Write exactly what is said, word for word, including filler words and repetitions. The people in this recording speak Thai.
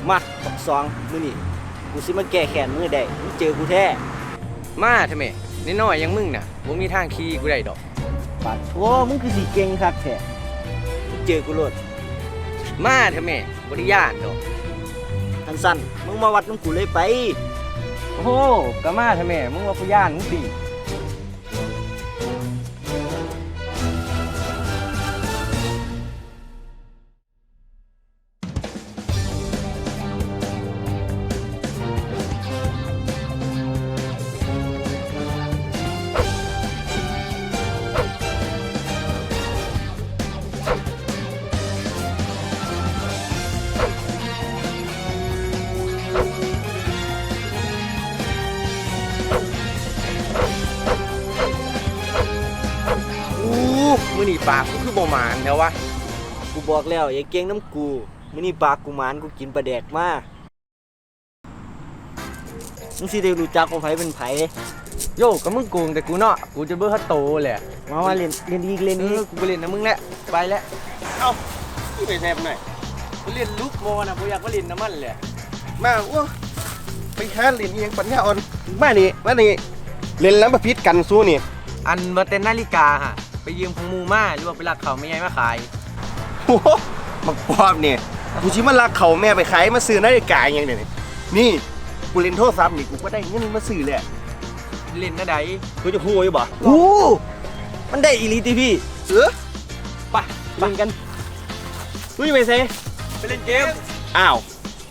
มาบักสองมื้อนี้กูสิมาแก้แค้นมึงได้มึงเจอกูแท้มาทำไมน้อยๆอยังมึงน่ะบ่มีทางขี่กูได้ดอกปาดโถ่มึงคือสิเก่งคักแท้มึงเจอกูโลดมาทำไมบ่ได้ย่านดอกทันสั้นมึงมาวัดน้ำกูเลยไปโอ้โหก็มาทำไมมึงว่ากูย่านมึงติมื้อนี้ปากกูคือบ่หมานแล้ววะกูบอกแล้วอย่าเก่งน้ำกูมื้อนี้ปากกูหมานกูกินปลาแดกมามึงสิได้รู้จักว่าไผเป็นไผโยก็มึงโกงแต่กูเนาะกูจะเบิ่ฮัตโตแหละมามาเล่นเล่นอีกเล่นอีกกูไปเล่นนะมึงแหละไปแล้วเอ้าพี่ไปแซ่บหน่อยกูเล่นลูกโมน่ะบ่อยากมาเล่นน้ำมันแหละมาอ้วไปหาเล่นอีหยังปัญญาอ่อนมานี่มานี่เล่นแล้วมาพิษกันสู้นี่อันบ่แต่นาฬิกาฮะไปยืมของหมู่มาหรือว่าไปลักเขาแม่ใหญ่มาขายโอ้โหมักปอบนี่กูสิมาลักเขาแม่ไปขายมาซื้อนาฬิกาอย่างนี่นี่กูเล่นโทรศัพท์นี่กูก็ได้เงินมาซื้อแหละเล่นนะใดกูจะฮู้อยู่บ่โอ้มันได้อีหลีติพี่เออไปเล่นกันมึงไปเซ่ไปเล่นเกมอ้าว